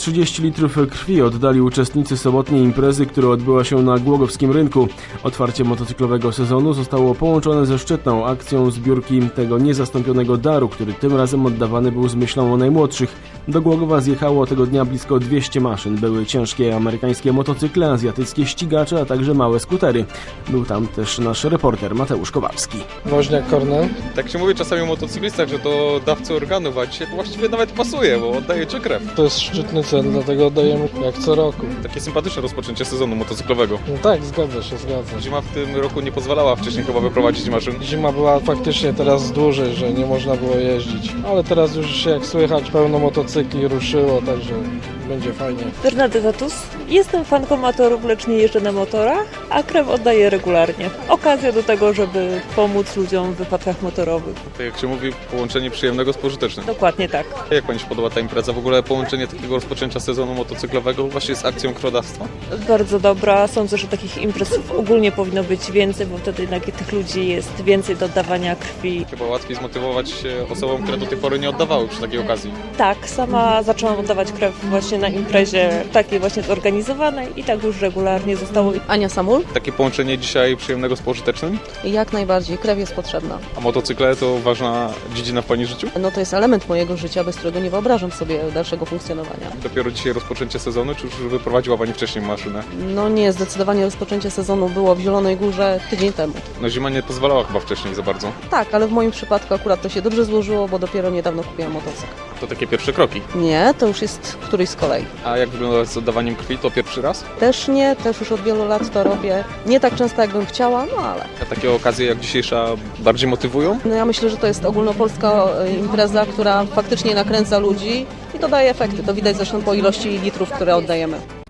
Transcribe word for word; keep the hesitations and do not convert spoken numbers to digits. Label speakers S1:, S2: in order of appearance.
S1: trzydzieści litrów krwi oddali uczestnicy sobotniej imprezy, która odbyła się na Głogowskim Rynku. Otwarcie motocyklowego sezonu zostało połączone ze szczytną akcją zbiórki tego niezastąpionego daru, który tym razem oddawany był z myślą o najmłodszych. Do Głogowa zjechało tego dnia blisko dwieście maszyn. Były ciężkie amerykańskie motocykle, azjatyckie ścigacze, a także małe skutery. Był tam też nasz reporter Mateusz Kowalski.
S2: Woźniak Kornel.
S3: Tak się mówi czasami o motocyklistach, że to dawcy organów, a dzisiaj to właściwie nawet pasuje, bo oddajecie krew.
S2: To jest szczytny cel, dlatego oddajemy jak co roku.
S3: Takie sympatyczne rozpoczęcie sezonu motocyklowego.
S2: No tak, zgadza się, zgadza.
S3: Zima w tym roku nie pozwalała wcześniej chyba wyprowadzić maszyn.
S2: Zima była faktycznie teraz dłużej, że nie można było jeździć. Ale teraz już jak słychać pełno motocykli ruszyło, także będzie fajnie.
S4: Bernadetta Tus. Jestem fanką motorów, lecz nie jeżdżę na motorach, a krew oddaję regularnie. Okazja do tego, żeby pomóc ludziom w wypadkach motorowych.
S3: To jak się mówi, połączenie przyjemnego z pożytecznym.
S4: Dokładnie tak.
S3: Jak Pani się podoba ta impreza? W ogóle połączenie takiego rozpoczęcia sezonu motocyklowego właśnie z akcją krwiodawstwa?
S4: Bardzo dobra. Sądzę, że takich imprez ogólnie powinno być więcej, bo wtedy jednak tych ludzi jest więcej do oddawania krwi.
S3: Chyba łatwiej zmotywować się osobom, które do tej pory nie oddawały przy takiej okazji.
S4: Tak, sama zaczęłam oddawać krew właśnie na imprezie takiej właśnie zorganizowanej i tak już regularnie zostało.
S5: Ania Samul?
S3: Takie połączenie dzisiaj przyjemnego z pożytecznym?
S5: Jak najbardziej, krew jest potrzebna.
S3: A motocykle to ważna dziedzina w Pani życiu?
S5: No to jest element mojego życia, bez którego nie wyobrażam sobie dalszego funkcjonowania.
S3: Dopiero dzisiaj rozpoczęcie sezonu, czy już wyprowadziła Pani wcześniej maszynę?
S5: No nie, zdecydowanie rozpoczęcie sezonu było w Zielonej Górze tydzień temu.
S3: No zima nie pozwalała chyba wcześniej za bardzo.
S5: Tak, ale w moim przypadku akurat to się dobrze złożyło, bo dopiero niedawno kupiłam motocykl.
S3: To takie pierwsze kroki.
S5: Nie, to już jest któryś z kolei.
S3: A jak wygląda z oddawaniem krwi? To pierwszy raz?
S5: Też nie, też już od wielu lat to robię. Nie tak często, jakbym chciała, no ale...
S3: A takie okazje jak dzisiejsza bardziej motywują?
S5: No ja myślę, że to jest ogólnopolska e, impreza, która faktycznie nakręca ludzi i to daje efekty. To widać zresztą po ilości litrów, które oddajemy.